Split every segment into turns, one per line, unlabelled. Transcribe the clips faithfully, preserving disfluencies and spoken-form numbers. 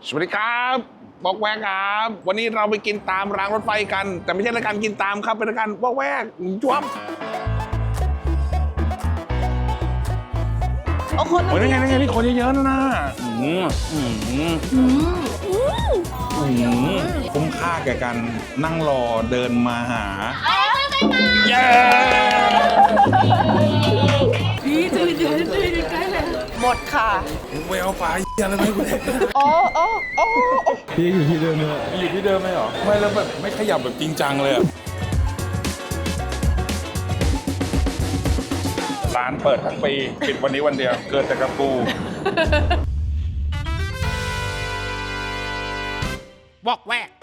สวัสดีครับบอกแวกครับวันนี้เราไปกินตามรางรถไฟกันแต่ไม่ใช่รายการกินตามครับเป็นรายการบอกแวกจ้วม
โอ้คน
โอ้ยนี่ไงนี่ไงนี่คนเยอะๆนะนะอืมอืมอืมคุ้มค่าแก่การนั่งรอเดินมาหาเย้
พี่จะเดินจะเดินใกล้เลยหมดค่ะ
เวลปลาอะไรไม่กูเด็ก
โอ้โอ้โอ้
พี่อยู่ที่เดิมเลย
อยู่ที่เดิมไหมหรอไม่แล้วแบบไม่ขยับแบบจริงจังเลยอะร้านเปิดทั้งปีปิดวันนี้วันเดียวเกิดแต่กระปูบอกแวก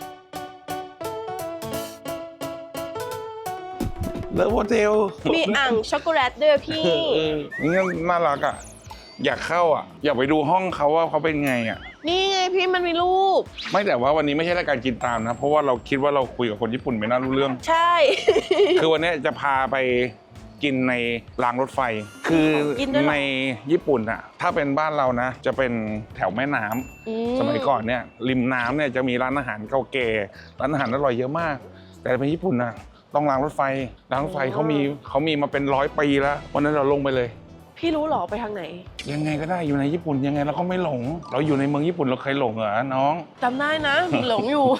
เลิฟโฮเทล
มีอ่างช็อกโกแลตด้วยพี่
นี่น่ารักอ่ะอยากเข้าอ่ะอยากไปดูห้องเขาว่าเขาเป็นไงอ่ะ
นี่ไงพี่มันมีรูป
ไม่แต่ว่าวันนี้ไม่ใช่รายการกินตามนะเพราะว่าเราคิดว่าเราคุยกับคนญี่ปุ่นไม่น่ารู้เรื่อง
ใช่
คือวันนี้จะพาไปกินในรางรถไฟคือในญี่ปุ่นอะถ้าเป็นบ้านเรานะจะเป็นแถวแม่น้ำสมัยก่อนเนี่ยริมน้ำเนี่ยจะมีร้านอาหารเก่าแก่ร้านอาหารอร่อยเยอะมากแต่ในญี่ปุ่นนะต้องรางรถไฟรางรถไฟเขามีเขามีมาเป็นร้อยปีแล้ววันนั้นเราลงไปเลย
พี่รู้หรอไปทางไหน
ยังไงก็ได้อยู่ในญี่ปุ่นยังไงเราก็ไม่หลงเราอยู่ในเมืองญี่ปุ่นเราเคยหลงเหรอน้อง
จำได้นะหลงอยู่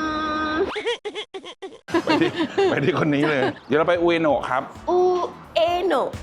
ไปที่ไปที่คนนี้เลยเดี๋ยวเราไปอุเอโนะครับ
อุเอโนะ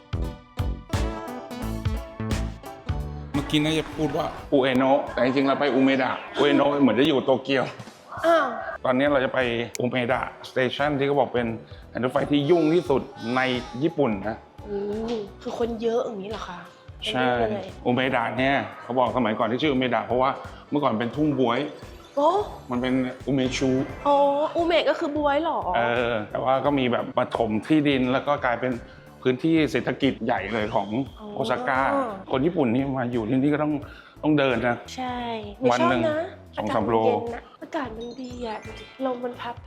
เมื่อกี้น่าจะพูดว่าอุเอโนะแต่จริงๆเราไปอุเมดะอุเอโนะเหมือนจะอยู่โตเกียวตอนนี้เราจะไปอุเมดะสเตชันที่เขาบอกเป็นรถไฟที่ยุ่งที่สุดในญี่ปุ่นนะ
คือคนเยอะอย่างนี้เหรอคะ
ใช่อุเมดะเนี่ยเขาบอกสมัยก่อนที่ชื่ออุเมดะเพราะว่าเมื่อก่อนเป็นทุ่งบวย
โอ้
มันเป็นอุเมชู
อ๋ออุเมะก็คือบวยหรอ
เออแต่ว่าก็มีแบบปฐมที่ดินแล้วก็กลายเป็นพื้นที่เศรษฐกิจใหญ่เลยของโอซาก้าคนญี่ปุ่นนี่มาอยู่ที่นี่ก็ต้องต้องเดินนะ
ใช่
วันหนึ่งสองสามโล
อากาศมันดีอ่ะลมมันพัด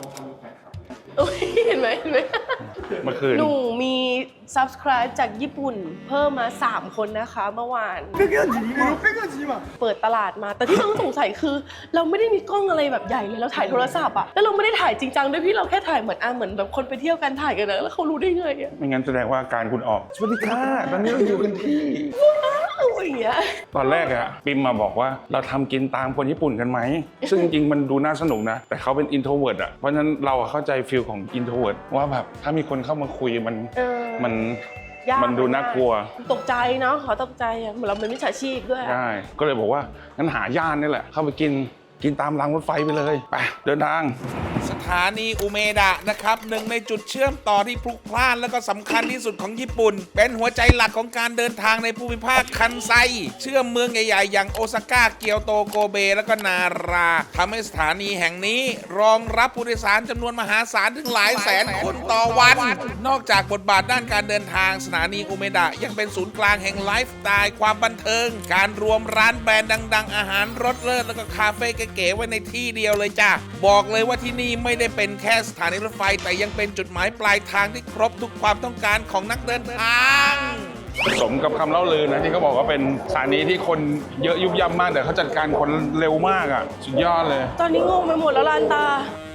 เห็นไหมเห็นไหม
เมื่อคืน
หนูมี subscribe จากญี่ปุ่นเพิ่มมาสามคนนะคะเมื่อวานเปิดตลาดมาแต่ที่ต้องสงสัยคือเราไม่ได้มีกล้องอะไรแบบใหญ่เลยเราถ่ายโทรศัพท์อ่ะแล้วเราไม่ได้ถ่ายจริงจังด้วยพี่เราแค่ถ่ายเหมือนอ่ะเหมือนแบบคนไปเที่ยวกันถ่ายกันนะแล้วเขารู้ได้ไงอ่ะ
ไม่งั้นแสดงว่าการคุณออกสวัสดีค่ะตอนนี้เราอยู่กันที่ตอนแรกอะปิมมาบอกว่าเราทำกินตามคนญี่ปุ่นกันไหมซึ่งจริงๆมันดูน่าสนุกนะแต่เขาเป็น introvert อะเพราะฉะนั้นเราเข้าใจฟีลของ introvert ว่าแบบถ้ามีคนเข้ามาคุยมันมันมันดูน่ากลัว
ตกใจเนาะขอตกใจอะเหมือนเราเป็นมิจฉาชีพด้วย
ใช่ก็เลยบอกว่างั้นหาย่านนี่แหละเข้าไปกินกินตามรางรถไฟไปเลยไปเดินทาง
สถานีอุเมดะนะครับหนึ่งในจุดเชื่อมต่อที่พลุกพล่านและก็สำคัญที่สุดของญี่ปุ่นเป็นหัวใจหลักของการเดินทางในภูมิภาคคันไซเชื่อมเมืองใหญ่ๆอย่างโอซาก้าเกียวโตโกเบและก็นาราทำให้สถานีแห่งนี้รองรับผู้โดยสารจำนวนมหาศาลถึงหลายแสนคนต่อวันนอกจากบทบาทด้านการเดินทางสถานีอุเมดะยังเป็นศูนย์กลางแห่งไลฟ์สไตล์ความบันเทิงการรวมร้านแบรนด์ดังๆอาหารรสเลิศแล้วก็คาเฟ่เก๋ๆไว้ในที่เดียวเลยจ้ะบอกเลยว่าที่นี่ไม่ได้เป็นแค่สถานีรถไฟแต่ยังเป็นจุดหมายปลายทางที่ครบทุกความต้องการของนักเดินทาง
สมกับคำเล่าลือนะที่เขาบอกว่าเป็นสถานีที่คนเยอะยุบย่ำมากแต่เขาจัดการคนเร็วมากอ่ะสุดยอดเลย
ตอนนี้งงไปหมดแล้วลานตา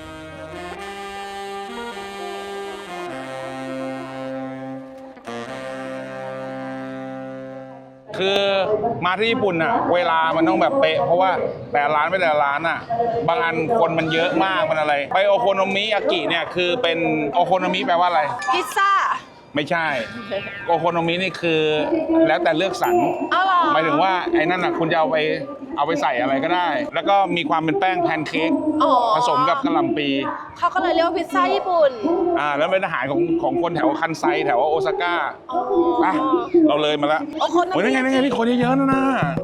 คือมาที่ญี่ปุ่นอะเวลามันต้องแบบเป๊ะเพราะว่าแต่ร้านไม่แต่ร้านอะบางอันคนมันเยอะมากมันอะไรไปโอโคโนมิยากิเนี่ยคือเป็นโอโคโนมิแปลว่าอะไร
พิซซ่า
ไม่ใช่โอโคโนมินี่คือแล้วแต่เลือกสรรหมายถึงว่าไอ้นั่นอะคุณจะเอาไปเอาไปใส่อะไรก็ได้แล้วก็มีความเป็นแป้งแพนเค้กผสมกับกะหล่ำปี
เขาก็เลยเรียกว่าพิซซ่าญี่ปุ่น
อ่าแล้วเป็นอาหารของของคนแถวคันไซแถวโอซาก้าอ่ะเราเลยมาแล้ว
โอ้คน
นี่ไงนี่ไงนี่คนเยอะๆนะนะ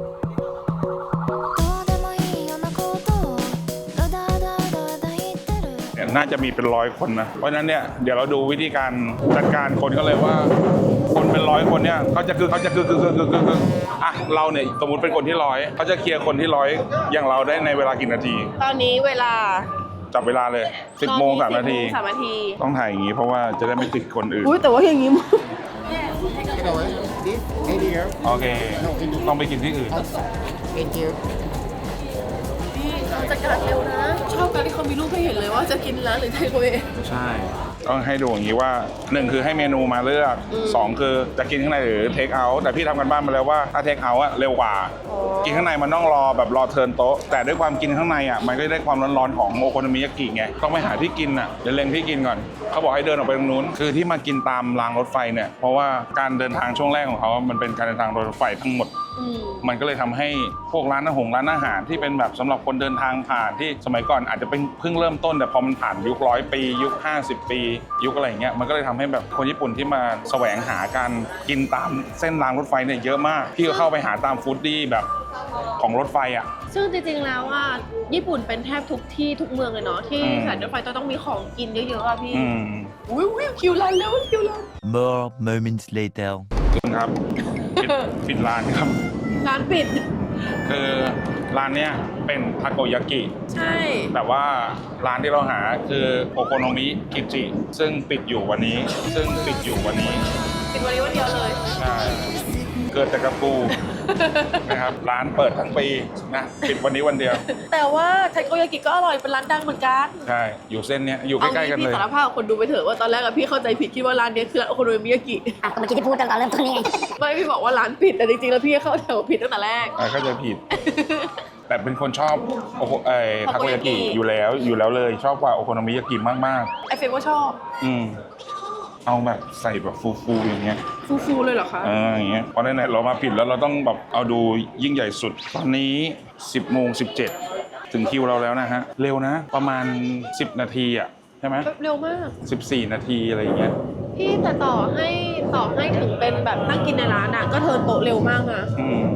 น่าจะมีเป็นร้อยคนนะเพราะฉะนั้นเนี่ยเดี๋ยวเราดูวิธีการจัดการคนก็เลยว่าคนเป็นร้อยคนเนี่ยเขาจะคือเขาจะคือคือคือคือคืออ่ะเราเนี่ยสมมติเป็นคนที่ร้อยเขาจะเคลียร์คนที่ร้อยอย่างเราได้ในเวลากี่นาที
ตอนนี้เวลา
จับเวลาเลยสิบโมงสามนาที
สามนาที
ต้องถ่ายอย่างนี้เพราะว่าจะได้ไม่ติดคนอื่น
อุ้ยแต่ว่าอย่างนี้
โอเคต้องไปกินที่อื่น
เขามีรูปให้เห็นเลยว่าจะกินร้านหรือเทคเอาเว
ใช่ต้องให้ดูอย่างนี้ว่าหนึ่งคือให้เมนูมาเลือกสองคือจะกินข้างในหรือเทคเอาท์แต่พี่ทำกันบ้านมาแล้วว่าถ้าเทคเอาท์อะเร็วกว่ากินข้างในมันต้องรอแบบรอเทิร์นโต๊ะแต่ด้วยความกินข้างในอะมันก็ได้ความร้อนๆของโอโคโนมิยากิไงต้องไปหาที่กินอะเดี๋ยวเล็งที่กินก่อนเขาบอกให้เดินออกไปตรงนู้นคือที่มากินตามรางรถไฟเนี่ยเพราะว่าการเดินทางช่วงแรกของเขามันเป็นการเดินทางรถไฟทั้งหมดมันก็เลยทำให้พวกร้านอาหารร้านอาหารที่เป็นแบบสำหรับคนเดินทางผ่านที่สมัยก่อนอาจจะเป็นเพิ่งเริ่มต้นแต่พอมันผ่านยุคร้อยปียุคห้าสิบปียุคอะไรอย่างเงี้ยมันก็เลยทำให้แบบคนญี่ปุ่นที่มาแสวงหาการกินตามเส้นรางรถไฟเนี่ยเยอะมากพี่ก็เข้าไปหาตามฟู้ดดี้แบบของรถไฟอ่ะ
ซึ่งจริงๆแล้วว่าญี่ปุ่นเป็นแทบทุกที่ทุกเมืองเลยเนาะที่สถานีรถไฟต้องมีของกินเยอะๆอ่ะพี่อุ้ยอุ้ยคิวร้านแล้วคิวร้าน
More moments later
ครับปิดปิดร้านครับ
ร้านปิด
คือร้านเนี้ยเป็นทาโกยากิ
ใช่
แต่ว่าร้านที่เราหาคือโอโคโนมิกิจิซึ่งปิดอยู่วันนี้ซึ่งปิดอยู่วันนี้
ปิดวันนี้วันเดียวเลย
ใช่เกิดแต่กระปูนะครับร้านเปิดทั้งปีนะปิดวันนี้วันเดียว
แต่ว่าไทโกยากิก็อร่อยเป็นร้านดังเหมือนกัน
ใช่อยู่เส้นเนี้ยอยู่ใกล้ๆกันเลย
พี่สารภาพคนดูไปเถอะว่าตอนแรกอะพี่เข้าใจผิดคิดว่าร้านนี้คือร้านโอโคโนมิยากิ
อ่ะก็เมื่อกี้ที่พูดตอนเริ่มต้นนี่ไง
ไม่พี่บอกว่าร้านปิดแต่จริงๆแล้วพี่เข้าแถวผิดตั้งแต่แรก
เข้าใจผิดแต่เป็นคนชอบโอโคเอทาโกยากิอยู่แล้วอยู่แล้วเลยชอบกว่าโอโคโนมิยากิมาก
ๆไอเฟรมก็ชอบ
อืมเอาแบบใส่แบบฟูๆอย่างเงี้ย
ฟูๆเลยเหรอคะ
เอออย่างเงี้ยเพราะไหนๆเรามาผิดแล้วเราต้องแบบเอาดูยิ่งใหญ่สุดตอนนี้สิบโมงสิบเจ็ดถึงคิวเราแล้วนะฮะเร็วนะประมาณสิบนาทีอ่ะใช่ไหม
เร็วมาก
สิบสี่นาทีอะไรอย่างเงี้ย
พี่แต่ต่อให้ต่อให้ถึงเป็นแบบนั่งกินในร้านอ่ะก็เทิร์นโต๊ะเร็วมากนะอืม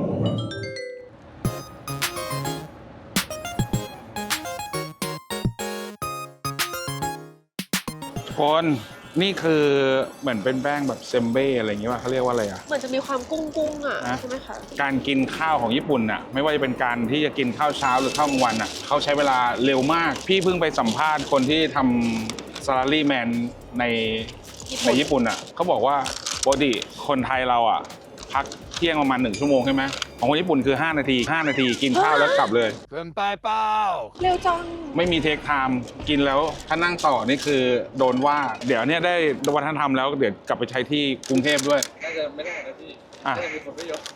คนนี่คือเหมือนเป็นแป้งแบบเซมเบ้อะไรอย่างเงี้ยว่าเขาเรียกว่าอะไรอ่ะ
เหมือนจะมีความกุ้งกุ้งอ่ะใช่ไหมคะ
การกินข้าวของญี่ปุ่นอ่ะไม่ว่าจะเป็นการที่จะกินข้าวเช้าหรือข้าวกลางวันอ่ะเขาใช้เวลาเร็วมากพี่เพิ่งไปสัมภาษณ์คนที่ทำซาลารีแมนในในญี่ปุ่นอ่ะเขาบอกว่าปกติคนไทยเราอ่ะพักเที่ยงประมาณหนึ่งชั่วโมงใช่ไหมของคนญี่ปุ่นคือห้านาทีห้านาทีกินข้าวแล้วกลับเลย
เกินไปเปล่า
เร็วจัง
ไม่มีเทคไทม์กินแล้วถ้านั่งต่อนี่คือโดนว่าเดี๋ยวเนี้ยได้วัฒนธรรมแล้วเดี๋ยวกลับไปใช้ที่กรุงเทพด้วยน่าจะไม่ได้นะพี่น่าจะมีผลประโยชน์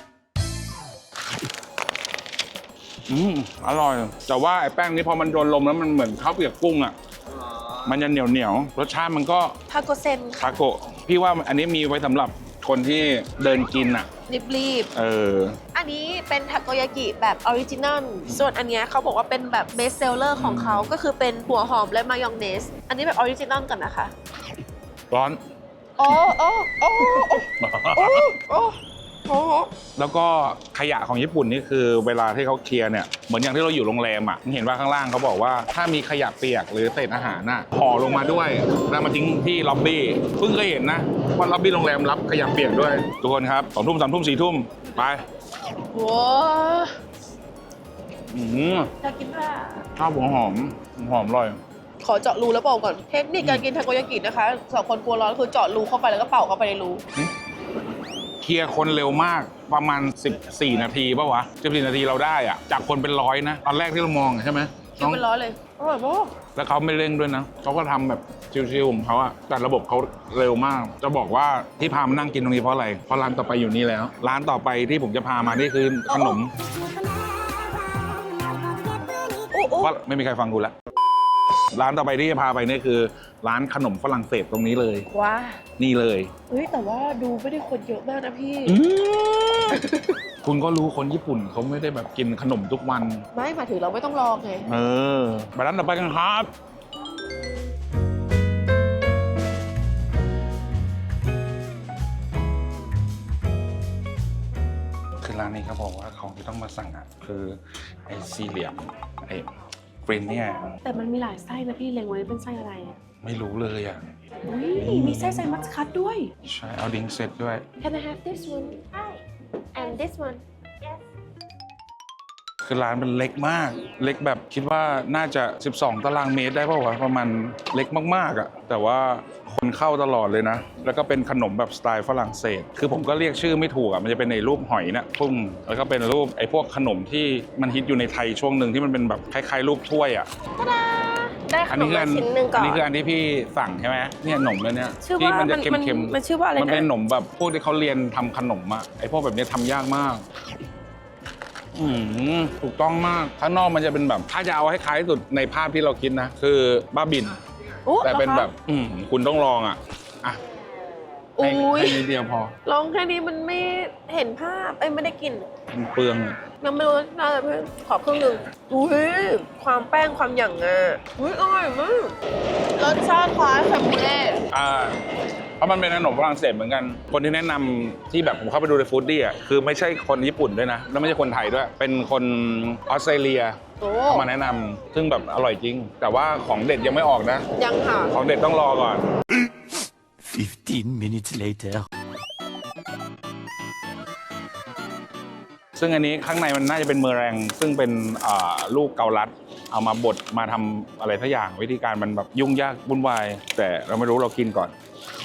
อืมอร่อยแต่ว่าไอ้แป้งนี้พอมันโดนลมแล้วมันเหมือนข้าวเปียกกุ้งอ่ะมันจะเหนียวเหนียวรสชาติมันก็
ทาโกเซน
ทาโกะพี่ว่าอันนี้มีไว้สำหรับคนที่เดินกินอ่ะ
รีบ
ๆเออ
อันนี้เป็นทาโกยากิแบบออริจินัลส่วนอันนี้เขาบอกว่าเป็นแบบเบสเซลเลอร์ของเขาก็คือเป็นหัวหอมและมายองเนสอันนี้แบบออริจินัลกันนะคะ
ร้อน
โอ้โอ้โอ้โอ้โอ้โอ้
แล้วก็ขยะของญี่ปุ่นนี่คือเวลาที่เขาเคลียร์เนี่ยเหมือนอย่างที่เราอยู่โรงแรมอ่ะเห็นว่าข้างล่างเขาบอกว่าถ้ามีขยะเปียกหรือเศษอาหารน่ะห่อลงมาด้วยแล้วมาทิ้งที่ล็อบบี้เพิ่งเคยเห็นนะว่าล็อบบี้โรงแรมรับขยะเปียกด้วยทุกคนครับสองทุ่มสามทุ่มสี่ทุ่มไป
ว้า
อืม
อยากกินค่ะ
ข้าวหัวหอมหอมอร่อย
ขอเจาะรูแล้วเป่าก่อนเทคนิคการกินทาโกยากินะคะสำหรับคนกลัวร้อนคือเจาะรูเข้าไปแล้วก็เป่าเข้าไปในรู
เคลียร์คนเร็วมากประมาณสิบสี่นาทีป่ะวะสิบสี่นาทีเราได้อะจากคนเป็นร้อยนะตอนแรกที่เรามองใช่ไหม
คิวเป็นร้อยเลยอร่อยมาก
แล้วเขาไม่เร่งด้วยนะเขาก็ทำแบบชิวๆของเขาอะแต่ระบบเขาเร็วมากจะบอกว่าที่พามานั่งกินตรงนี้เพราะอะไรเพราะร้านต่อไปอยู่นี่แล้วร้านต่อไปที่ผมจะพามานี่คือขนมว่าไม่มีใครฟังกูแล้วร้านต่อไปที่จะพาไปนี่คือร้านขนมฝรั่งเศสตรงนี้เลย
ว้า
นี่เลย
เฮ้ยแต่ว่าดูไม่ได้คนเยอะมากนะพี่
คุณก็รู้คนญี่ปุ่นเขาไม่ได้แบบกินขนมทุกวัน
ไม่มาถึงเราไม่ต้องรอไง
เออไปร้านต่อไปกันครับคือร้านนี้เขาบอกว่าของที่ต้องมาสั่งอ่ะคือไอ้สี่เหลี่ยมไอ้กรีนเนี่ย
แต่มันมีหลายไส้นะพี่เล็งไว้เป็นไส้อะไรอ่ะ
ไม่รู้เลยอ่ะ
อุ้ยมีไส้ไซมัสคัตด้วย
ใช่เอาดิ้งเซตด้วย
Can I have this one Hi and this one
Yes
คือร้านมันเล็กมากเล็กแบบคิดว่าน่าจะสิบสองตารางเมตรได้ป่าววะประมาณเล็กมากๆอ่ะแต่ว่าคนเข้าตลอดเลยนะแล้วก็เป็นขนมแบบสไตล์ฝรั่งเศสคือผมก็เรียกชื่อไม่ถูกอ่ะมันจะเป็นในรูปหอยนะพุ่งแล้วก็เป็นรูปไอ้พวกขนมที่มันฮิตอยู่ในไทยช่วงหนึ่งที่มันเป็นแบบคล้ายๆรูปถ้วยอ่ะ
ได้ข
อัน
น
นี้
ม
คือ
มา
อัน
ชิ้นหนึ่งก่
อั
อน
นี้คืออันที่พี่สั่งใช่ไหมเนี่ยขนมเลยเนี่ย
ชื่อ
ที่
ว่า
มันจะ
มัน
เค็มๆ
มันชื่อว่าอะไรนะ
มันเป็นขนมแบบพวกที่เขาเรียนทำขนมอะไอพวกแบบนี้ทำยากมาก อืมถูกต้องมากข้างนอกมันจะเป็นแบบถ้าจะเอาให้คล้ายที่สุดในภาพที่เราคิดนะ คือบ้าบิน
โอ้
แต่เป็น
หรอคะ
แบบ อืมคุณต้องลองอ่ะอ่ะให้
อุ้ย
ให้นิดเดียวพอ
ลองแค่นี้มันไม่เห็นภาพเอ้ยไม่ได้กลิ่น
มันเปลืองอะ
ยังไม่รู้น่าจะเพิ่มขอครึ่งหนึ่งอุ้ยความแป้งความหยั่งอ่ะอุ้ยอร่อยมากรสชาติคล้ายแคมเบร
อ่าเพราะมันเป็นขนมฝรั่งเศสเหมือนกัน คนที่แนะนำที่แบบผมเข้าไปดูในฟู้ดดี้อ่ะคือไม่ใช่คนญี่ปุ่นด้วยนะ แล้วไม่ใช่คนไทยด้วย เป็นคนออสเตรเลีย
โอ้
เขามาแนะนำซึ่งแบบอร่อยจริง แต่ว่าของเด็ดยังไม่ออกนะ
ยังค่ะ
ของเด็ดต้องรอก่อน
fifteen minutes later.
ซึ่งอันนี้ข้างในมันน่าจะเป็นเมอแรงซึ่งเป็นอ่าลูกเกาลัด เอามาบดมาทำอะไรสักอย่างวิธีการมันแบบยุ่งยากวุ่นวาย แต่เราไม่รู้เรากินก่อน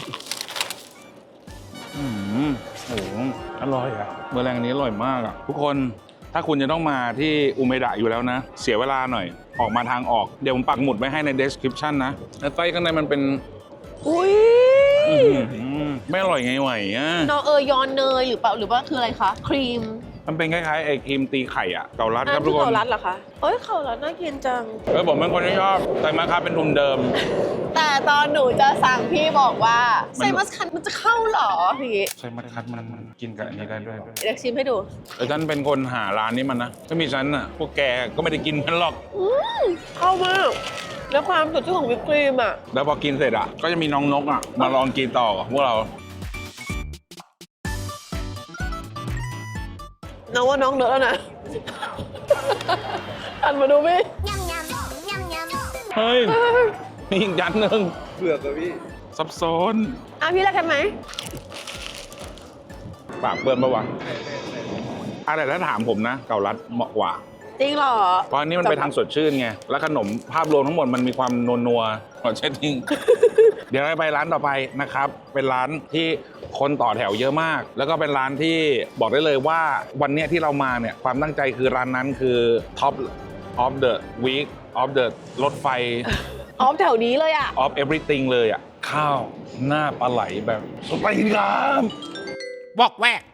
อืมโอ้โหอร่อยอะเมอแรงอันนี้อร่อยมากอะทุกคนถ้าคุณจะต้องมาที่อุเมดะอยู่แล้วนะ เสียเวลาหน่อยออกมาทางออกเดี๋ยวผมปักหมุดไว้ให้ใน description นะแล้วไส้ข้างในมันเป็น
อุ้ย
อื้อหือไม่อร่อยไงไหวอะ
นอเออยอนเนยหรือเปล่าหรือว่าคืออะไรคะครีม
มันเป็นคล้ายๆไอ้ครีมตีไข่อะเกาลัด
อัน
ครับทุ
ที่
กคน
เขารัดเหรอคะเอ้ยเขารัดน่ากินจัง
เออผมเป็นคนที่ชอบไซมาคาเป็นทุนเดิม
แต่ตอนหนูจะสั่งพี่บอกว่า
มัน
ไซมัสคันมันจะเข้าเหรอพี่
ไซมาคัดมันมันกินกับอันนี้ได้ด้วย
เดี๋ยวชิมให้ดู
แต่ฉันเป็นคนหาร้านนี้มันนะถ้ามีฉันอ่ะพวกแกก็ไม่ได้กินมันหรอก
อืมเข้ามากแล้วความสดชื่นของวิปครีมอ่ะ
แล้วพอกินเสร็จอ่ะก็จะมีน้องนกอ่ะมาลองกินต่อกับพวกเรา
น้องว่าน้องเนอะแล้วนะ อันมาดูพี่
เฮ้ยมีอีกยันหนึ่งเผือกกับพี่ซับซ้อน
อ่ะพี่รักกันไหม
ปากเปื้อนปะวะอะไรถ้าถามผมนะเกาลัดเหมาะกว่า
จริงเหรอ
เพราะอันนี้มันไปทางสดชื่นไงแล้วขนมภาพรวมทั้งหมดมันมีความนัวๆขอเช็ดทิ้ง เดี๋ยวเราไปร้านต่อไปนะครับ เป็นร้านที่คนต่อแถวเยอะมาก แล้วก็เป็นร้านที่บอกได้เลยว่าวันเนี้ยที่เรามาเนี่ยความตั้งใจคือร้านนั้นคือ Top of the Week of the รถไฟ
ออฟแถวนี้เลยอ่ะ
of everything เลยอ่ะ ข้าวหน้าปลาไหลแบบสไปซี่ครับ
บอกแวก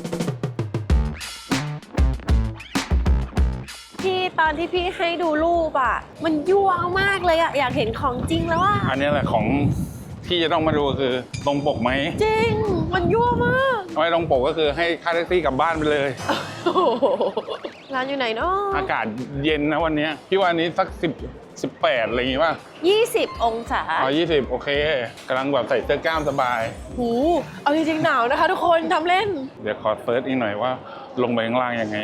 พี่ตอนที่พี่ให้ดูรูปอ่ะ มันยั่วมากเลยอ่ะ อยากเห็นของจริงแล้วอ่ะ
อันนี้แหละของที่จะต้องมาดูคือตรงปกไหม
จริง มันยั่วมาก
ไม่ตรงปกก็คือให้ค่าแท็กซี่กลับบ้านไปเลย
โอ้โหร้านอยู่ไหนเนาะ
อากาศเย็นนะวันเนี้ยพี่ว่าอันนี้สักสิบสิบแปดอะไรอย่างงี้ป่ะ
ยี่สิบองศา
อ๋อยี่สิบโอเคกำลังแบบใส่เสื้อกล้ามสบาย
หูเอาจริงๆหนาวนะคะทุกคนทำเล่น
เดี๋ยวขอเซิร์ชอีกหน่อยว่าลงไปข้างล่างยังไง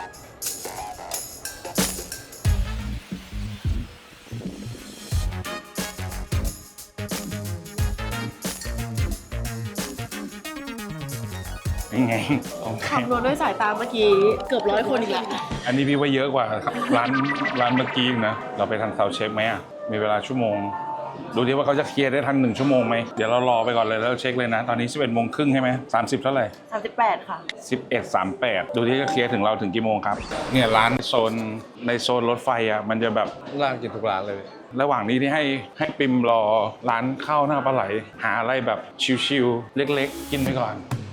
ยังไงโอเค
คำนวณด้วยสายตาเมื่อกี้เกือบร้อยคนอีกแล้ว
อันนี้พี่ว่าเยอะกว่าร้านร้านเมื่อกี้อีกนะ เราไปทางเซาเช็คไหมอ่ะ มีเวลาชั่วโมง ดูดิว่าเขาจะเคลียร์ได้ทันหนึ่งชั่วโมงไหม เดี๋ยวเรารอไปก่อนเลยแล้วเช็คเลยนะ ตอนนี้สิบเอ็ดโมงครึ่งใช่ไหมสามสิบเท่าไหร่
สามสิบแปดค่ะ
สิบเอ็ดสามแปดดูที่จะเคลียร์ถึงเราถึงกี่โมงครับ เนี่ยร้านโซนในโซนรถไฟอ่ะ มันจะแบบ
ร้านกินทุกร้านเลย
ระหว่างนี้ที่ให้ให้ปิมรอร้านข้าวหน้าปลาไหล หาอะไรแบบชิวๆเล็กๆ กินไปก่อน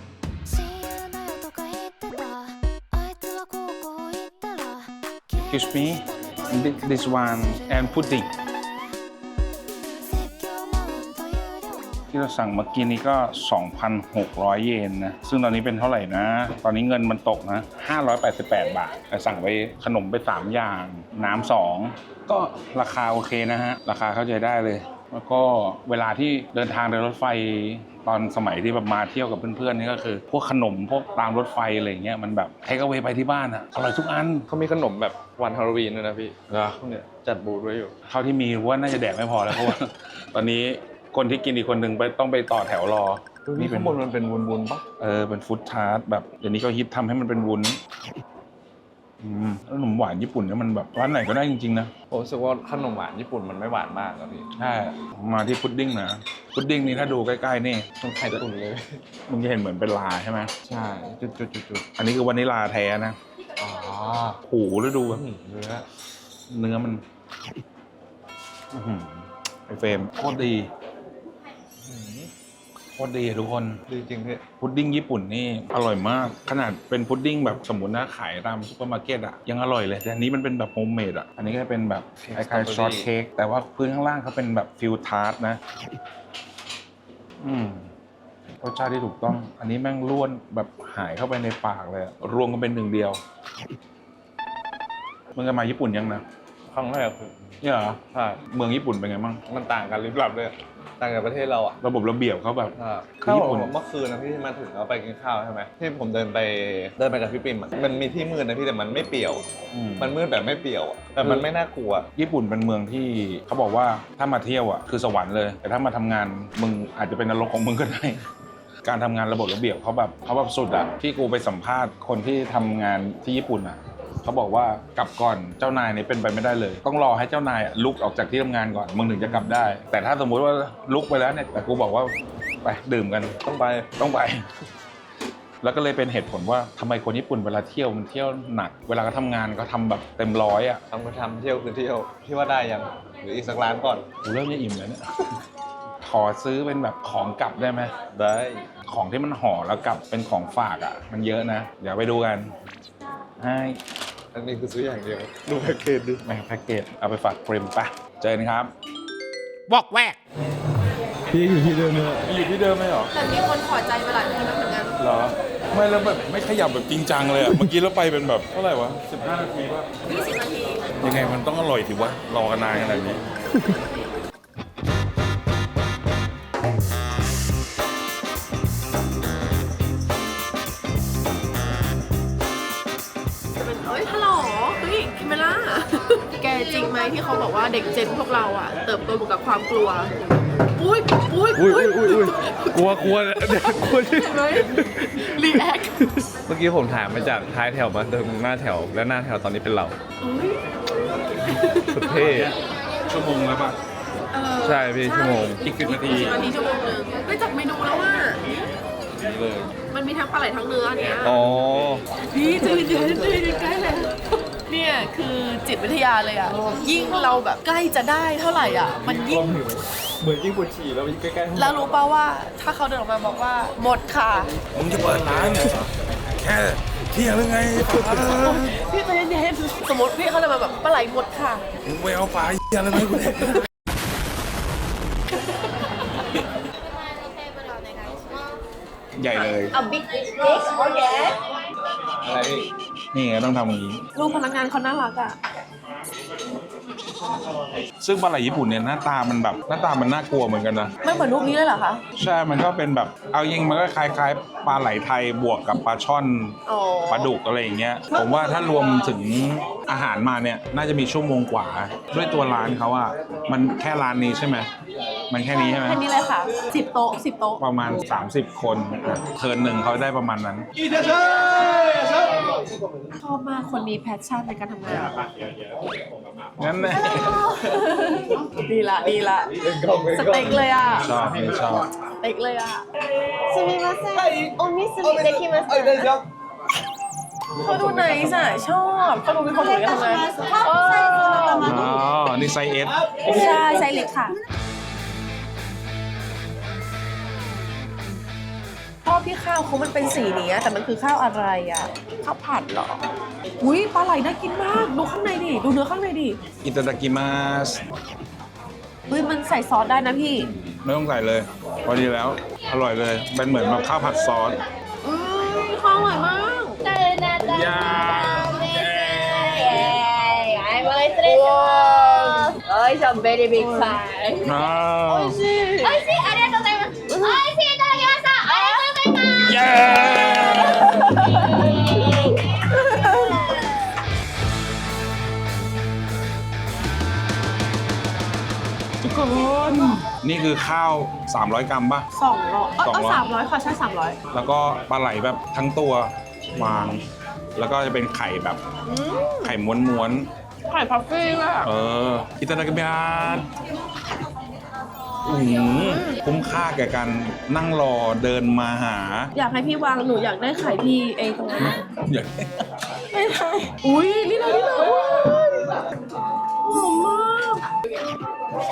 Excuse me this one and pudding ที่เราสั่งเมื่อกี้นี้ก็ สองพันหกร้อย เยนนะ ซึ่งตอนนี้เป็นเท่าไหร่นะ ตอนนี้เงินมันตกนะ ห้าร้อยแปดสิบแปด บาทแต่สั่งไปขนมไปสามอย่าง น้ำสองก็ราคาโอเคนะฮะ ราคาเข้าใจได้เลย แล้วก็เวลาที่เดินทางโดยรถไฟตอนสมัยที่แบบมาเที่ยวกับเพื่อนๆนี่ก็คือ พวกขนมพวกตามรถไฟอะไรเงี้ยมันแบบเทคเอาไว้ไปที่บ้านอะอร่อยทุกอัน
เขามีขนมแบบวันฮาโลวีนด้วยนะพี่
เหรอ
เนี่ยจัดบูธไว้อยู่
เท่าที่มีว่าน่าจะแดกไม่พอแล้วเพราะว่า ตอนนี้คนที่กินอีกคนหนึ่งไปต้องไปต่อแถวรอ
นี่ข้างบนมันเป็นวุ้นๆปะ
เออเป็นฟู้ดทาร์ตแบบเดี๋ยวนี้ก็ฮิตทำให้มันเป็นวุ้นอืมแล้วขนมหวานญี่ปุ่นเนี่ยมันแบบร้านไหนก็ได้จริงๆนะ
ผมรู้สึกว่าขนมหวานญี่ปุ่นมันไม่หวานมากอะพี่
ใช่มาที่พุดดิ้งนะพุดดิ้งนี่ถ้าดูใกล้ๆนี่
มันไข่ตุ่นเลย
มึงจะเห็นเหมือนเป็นลาใช่ไหม
ใช่จุดจุดจุดจุด
อันนี้คือวานิลลาแท้นะ
อ๋อ
โอ้โหแล้วดูแบบ
เนื้อ
เนื้อมันอื้อหือไอเฟรมโคตรดีโคตรดีอะทุกคน
ดีจริงพี่
พุดดิ้งญี่ปุ่นนี่อร่อยมาก ขนาดเป็นพุดดิ้งแบบสมมตินะขายตามซุปเปอร์มาร์เก็ตอะยังอร่อยเลยแต่อันนี้มันเป็นแบบโฮมเมดอะอันนี้ก็จะเป็นแบบคล้ายๆช็อตเค้กแต่ว่าพื้นข้างล่างเขาเป็นแบบฟิลทาร์ตนะ อืมรสชาติที่ถูกต้อง อันนี้แม่งล้วนแบบหายเข้าไปในปากเลยอะรวมกันเป็นหนึ่งเดียวมึงจะมาญี่ปุ่นยังนะ
ครั้งแรกคือ
เนี่ยเหรอ
ใช่
เมืองญี่ปุ่นเป็นไงบ้าง
มันต่างกันลิบลับเลยต่างจากประเทศเราอ่ะ
ระบบระเบียบเขาแบบ
ใช่
คือญี่ปุ่น
ผมเมื่อคืนนะพี่ที่มาถึงเราไปกินข้าวใช่ไหมที่ผมเดินไปเดินไปกับพี่ปิ่มอะมันมีที่มืดนะพี่แต่มันไม่เปี่ยว
อืม
มันมืดแบบไม่เปี่ยวอะแต่มันไม่น่ากลัว
ญี่ปุ่นเป็นเมืองที่เขาบอกว่าถ้ามาเที่ยวอ่ะคือสวรรค์เลย แต่ถ้ามาทำงานมึงอาจจะเป็นนรกของมึงก็ได้ การทำงานระบบระเบียบเขาแบบเขาแบบสุดอ่ะที่กูไปสัมภาษณ์คนที่ทำงานที่ญี่ปุ่นอ่ะเขาบอกว่ากลับก่อนเจ้านายเนี่ยเป็นไปไม่ได้เลย ต้องรอให้เจ้านายอะลุกออกจากที่ทำงานก่อนมึงถึงจะกลับได้ แต่ถ้าสมมุติว่าลุกไปแล้วเนี่ยแต่กูบอกว่าไปดื่มกัน
ต้องไป
ต้องไป แล้วก็เลยเป็นเหตุผลว่าทำไมคนญี่ปุ่นเวลาเที่ยวมันเที่ยวหนัก เวลาเขาทำงานเขาทำแบบเต็มร้อยอ่ะ
ทำก็ทำเที่ยวคือเที่ยวพี่ว่าได้ยังหรืออีกสักร้านก่อน
กูเริ่มจะอิ่มแล้วเนี่ย ขอซื้อเป็นแบบของกลับได้ไหม
ได้
ของที่มันห่อแล้วกลับเป็นของฝากอ่ะ มันเยอะนะ เดี๋ยวไปดูกันให้
อันนี้คือซื้ออย่างเดียวดูแพ็กเกจดิ
แม่งแพ็กเกจเอาไปฝากเฟรมปะเจอกันครับ
บอกแวก
พี่อยู่ที่เดิมเลย
อยู่ที่เดิมไหมหรอ
แต่มีคนขอใจมาหลายคนแล้วเหมือนกัน
เหรอ ไม่แล้วแบบไม่ขยับแบบจริงจังเลยอ่ะ เมื่อกี้เราไปเป็นแบบเท่าไหร่วะสิบห้านาทีป่ะ
ยี่สิบนาที
ยังไงมันต้องอร่อยสิวะ รอกันนานขนาดนี้
จะเป็นเอ้ยฮัลโหลเฮ้ยคิมเมล่า แกจริงไหมที่เขาบอกว่าเด็กเจนพวกเราอ่ะ เติบโตมากับความกลัว อุ้ยอุ้ย
อุ้ยอุ้ยอุ้ยอุ้ยกลัวกลัวกลัว
เห็นไหมรีแอค
เมื่อกี้ผมถามมาจากท้ายแถวมาถึงหน้าแถวแล้วหน้าแถวตอนนี้เป็นเรา
อุ้ย
สุดเท่
ชั่วโมงแล้วป่ะ
เออ
ใช่พี่ชั่วโมง
อีกสิบนาที
สิบนาทีชั่วโมงนึงไม่จับเมนูแล้วว่า
นี่เลย
มันมีทั้งปลาไหลทั้งเนื้อเนี่ย
อ๋อ
พี่ใจเย็นๆใจเย็นๆใกล้แล้วเนี่ยคือจิตวิทยาเลยอ่ะ ยิ่งเราแบบใกล้จะได้เท่าไหร่อ่ะ มันยิ่ง
เหมือนยิ่งปวดฉี่แล้วยิ่งใกล้ๆ
แล้วรู้ป่าว่าถ้าเขาเดินออกมาบอกว่าหมดค่ะ
มึงจะเปิดร้านเนี่ยแค่เที่ยงหรือไงปลา
พี่ใจเย็นๆสมมติพี่เขาเดินมาแบบปลาไหลหมดค่ะ
มึงไปเอาปลาเหี้ยอะไรไหมาให้กูแดกใหญ่เลย
A big fish oh yeah
อะไรพี่
นี่ไงต้องทำอย่างนี้
ลูกพนักงานเขาน่ารักอ่ะ
ซึ่งปลาไหลญี่ปุ่นเนี่ยหน้าตามันแบบหน้าตามันน่ากลัวเหมือนกันนะ
ไม่เหมือนรูปนี้เลยเหรอคะ
ใช่ มันก็เป็นแบบ เอายิงมันก็คล้ายๆ ปลาไหลไทยบวกกับปลาช่อน
อ๋อ
ปลาดุกอะไรอย่างเงี้ย ผมว่าถ้ารวมถึงอาหารมาเนี่ย น่าจะมีชั่วโมงกว่า ด้วยตัวร้านเขาอะมันแค่ร้านนี้ใช่ไหม มันแค่นี้ใช่ไหม
แค่นี้เลยค่ะสิบโต๊ะสิบโต๊ะ
ประมาณ สามสิบ คนเทิร์นหนึ่งเขาได้ประมาณนั้น
ชอบมากคนมีแพชชั่นในการทำงาน
งั้นแน่
ดีละดีละสเต็กเลยอ่ะ
ชอบไม่ชอบ
สเต็กเลยอ่ะ
すみません。お水できますか。
เขาดูไนส์อ่ะชอบเขาดูมีความสุขในการทำงาน
カップサイズの
อ๋อ นี่ไซส์เอส
ใช่ใช่เล็กค่ะชอบที่ข้าวเขามันเป็นสีนี้อะแต่มันคือข้าวอะไรอ่ะข้าวผัดเหรออุ้ยปลาไหลน่ากินมากดูข้างในดิดูเนื้อข้างในดิ
อิตาดากิมาส
เฮ้ยมันใส่ซอสได้นะพี่
ไม่ต้องใส่เลย พอดีแล้ว อร่อยเลย เป็นเหมือนแบบข้าวผัดซอส
อืมข้าวอร่อยมาก
ยา
はい、もう失礼します。おいしょ、ベリービッグサイズ。
อ้าว
美味しい、ありがとうございます。美味しいいただきました。ありがとうございます。
เย้ ทุกคน นี่คือข้าว สามร้อย กรัมป่ะ
สองร้อยเออ
สองร้อย
สามร้อยค่ะใช่สามร้อย
แล้วก็ปลาไหลแบบทั้งตัววาง แล้วก็จะเป็นไข่แบบไข่ม้วน
ไข่พัฟฟี่อ่ะ
ๆ เออ อิตาดากิมาสอืมคุ้มค่าแก่การนั่งรอเดินมาหา
อยากให้พี่วางหนูอยากได้ไข่พี่ไอ้ตรงนั้นอะ
อยาก
ไม่ได้อุ้ยนี่เลยนี่เลยหอมมาก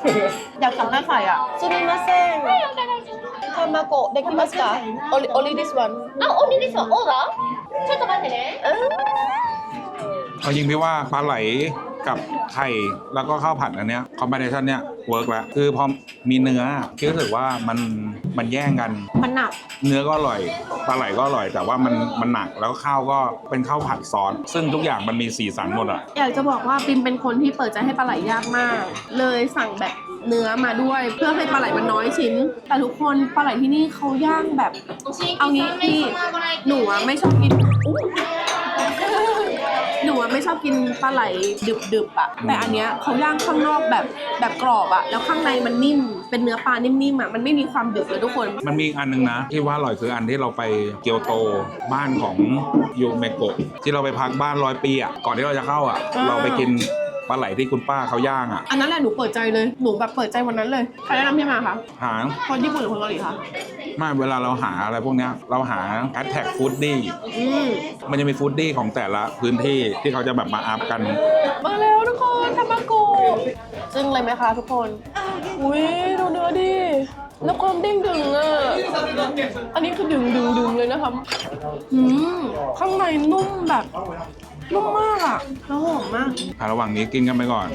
อยากสั่งหน้าไข่อ่ะซูมิมาเซ่งทามาโกะเด็กกิมัสกะ only only this one
あ、オニですよ。オーダーちょっと待ってね。
เอาจริงพี่ว่าปลาไหลกับไข่แล้วก็ข้าวผัดอันเนี้ยคอมบิเนชันเนี้ยเวิร์กแล้วคือพอมีเนื้อพี่รู้สึกว่ามันมันแย่งกัน
มันหนัก
เนื้อก็อร่อยปลาไหลก็อร่อย แต่ว่ามันมันหนักแล้วข้าวก็เป็นข้าวผัดซอสซึ่งทุกอย่างมันมีสีสันหมดอ่ะ
อยากจะบอกว่าปิมเป็นคนที่เปิดใจให้ปลาไหลยากมาก เลยสั่งแบบเนื้อมาด้วย เพื่อให้ปลาไหลมันน้อยชิ้น แต่ทุกคนปลาไหลที่นี่เขาย่างแบบ เอางี้พี่หนูอะไม่ชอบกินอุ๊ยหนูอะไม่ชอบกินปลาไหลดึบๆอ่ะแต่อันเนี้ยเขาย่างข้างนอกแบบแบบกรอบอ่ะแล้วข้างในมันนิ่มเป็นเนื้อปลานิ่มๆอ่ะมันไม่มีความดึบเลยทุกคน
มันมีอีกอันนึงนะที่ว่าอร่อยคืออันที่เราไปเกียวโตบ้านของยูเมโกะที่เราไปพักบ้านร้อยปีอ่ะก่อนที่เราจะเข้าอ่ะ
อ่า
เราไปกินปลาไหลที่คุณป้าเขาย่างอ่ะ
อันนั้นแหละหนูเปิดใจเลยหนูแบบเปิดใจวันนั้นเลยใครแนะนำพี่มาคะ
หา
คนญี่ปุ่นหรือคนเกาหลีคะ
ไม่เวลาเราหาอะไรพวกเนี้ยเราหาแฮชแท็กฟู้ดดี้
อืม
มันจะมีฟู้ดดี้ของแต่ละพื้นที่ที่เขาจะแบบมาอัพกัน
มาแล้วทุกคนทามาโกะจึ้งเลยไหมคะทุกคน อุ้ยดูเนื้อดิ แล้วความเด้งดึงอ่ะ อันนี้คือดึงดึงดึงเลยนะคะอืมข้างในนุ่มแบบนุ่มมากอ่ะแล้วหอมมาก
อ่ะระหว่างนี้กินกันไปก่อน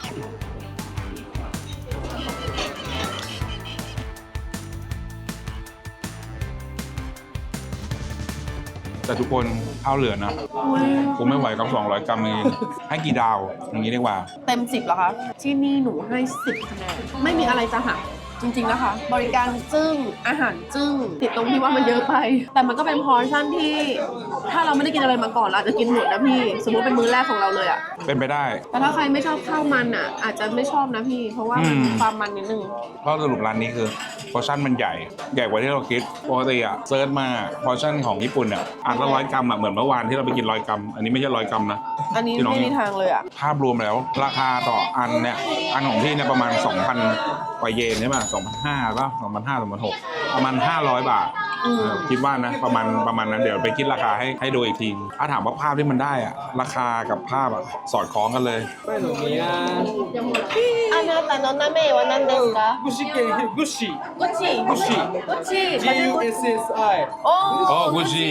แต่ทุกคนข้าวเหลือนะ
อุ้ย
กูไม่ไหวกับสองร้อยกรัมเองให้กี่ดาว อย่างนี้ดีกว่า
เต็มสิบเหรอคะ ที่นี่หนูให้สิบคะแนน ไม่มีอะไรจะหักจริงๆนะคะ บริการจึ้งอาหารจึ้งติดตรงที่ว่ามันเยอะไป แต่มันก็เป็นพอร์ชั่นที่ ถ้าเราไม่ได้กินอะไรมาก่อนเราอาจจะกินหมดนะพี่ สมมติเป็นมื้อแรกของเราเลยอะ
เป็นไปได้
แต่ถ้าใครไม่ชอบข้าวมันอ่ะ อาจจะไม่ชอบนะพี่ เพราะว่ามัน
อืม
มีความมันนิดนึง
เพราะสรุปร้านนี้คือพอร์ชั่นมันใหญ่ ใหญ่กว่าที่เราคิดปกติอะเซิร์ชมาพอร์ชั่นของญี่ปุ่นอะอันละร้อยกรัมอะเหมือนเมื่อวานที่เราไปกินร้อยกรัม อันนี้ไม่ใช่ร้อยกรัมนะ
อันนี้
ที่น้อง
ไม่มีทางเลยอ่ะ
ภาพรวมแล้ว ราคาต่ออันเนี่ยอันของพี่เนี่ยประมาณ สองพัน กว่าเยนใช่ป่ะสองพันห้าร้อยป่ะสองพันห้าร้อย สองพันหกร้อยประมาณห้าร้อยบาท
อืม
เออคิดว่านะประมาณประมาณนั้นเดี๋ยวไปคิดราคาให้ให้ดูอีกทีถ้าถามว่าภาพที่มันได้อะราคากับภาพอะสอดคล้องกันเลย
อานาตาโนนาเมะวานันเดสกะ
具志堅グッシー
กุชชี่กุชชี่กุชชี่
G U S S I
โอ้
โอ้กุชชี่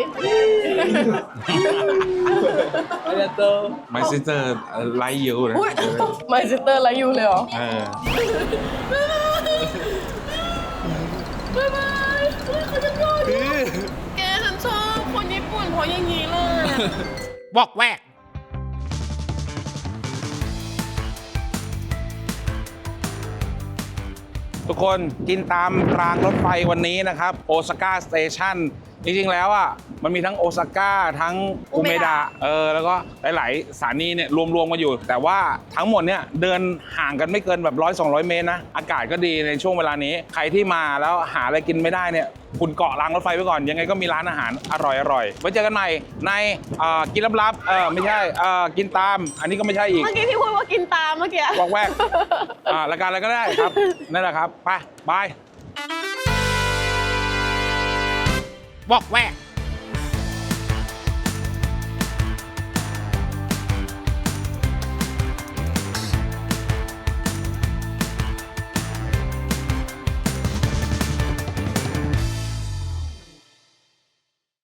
ありがとう
My sister ไลค์ยูนะ
อุ้ยMy sister ไลค์อยู่เลยเหรอ
เออ
บ๊ายบายเฮ้ยเขาจะโดนแกฉันชอบคนญี่ปุ่นเพราะอย่างนี้เลย
บอกแวก
ทุกคนกินตามรางรถไฟวันนี้นะครับโอซาก้าสเตชันจริงๆแล้วอ่ะมันมีทั้งโอซาก้าทั้งอุเมดะเออแล้วก็หลายๆสถานีเนี่ยรวมๆกันอยู่ แต่ว่าทั้งหมดเนี่ยเดินห่างกันไม่เกินแบบร้อยสองร้อยเมตรนะอากาศก็ดีในช่วงเวลานี้ใครที่มาแล้วหาอะไรกินไม่ได้เนี่ยคุณเกาะรางรถไฟไว้ก่อนยังไงก็มีร้านอาหารอร่อยๆไว้เจอกันใหม่ในเอ่อกินลับๆเออไม่ใช่เอ่อกินตามอันนี้ก็ไม่ใช่อีก
เมื่อกี้พี่พูดว่ากินตามเมื่อกี้
วอกแวกอ่ารายการอะไรก็ได้ครับ นั่นแหละครับ ไป บาย
บอกแวก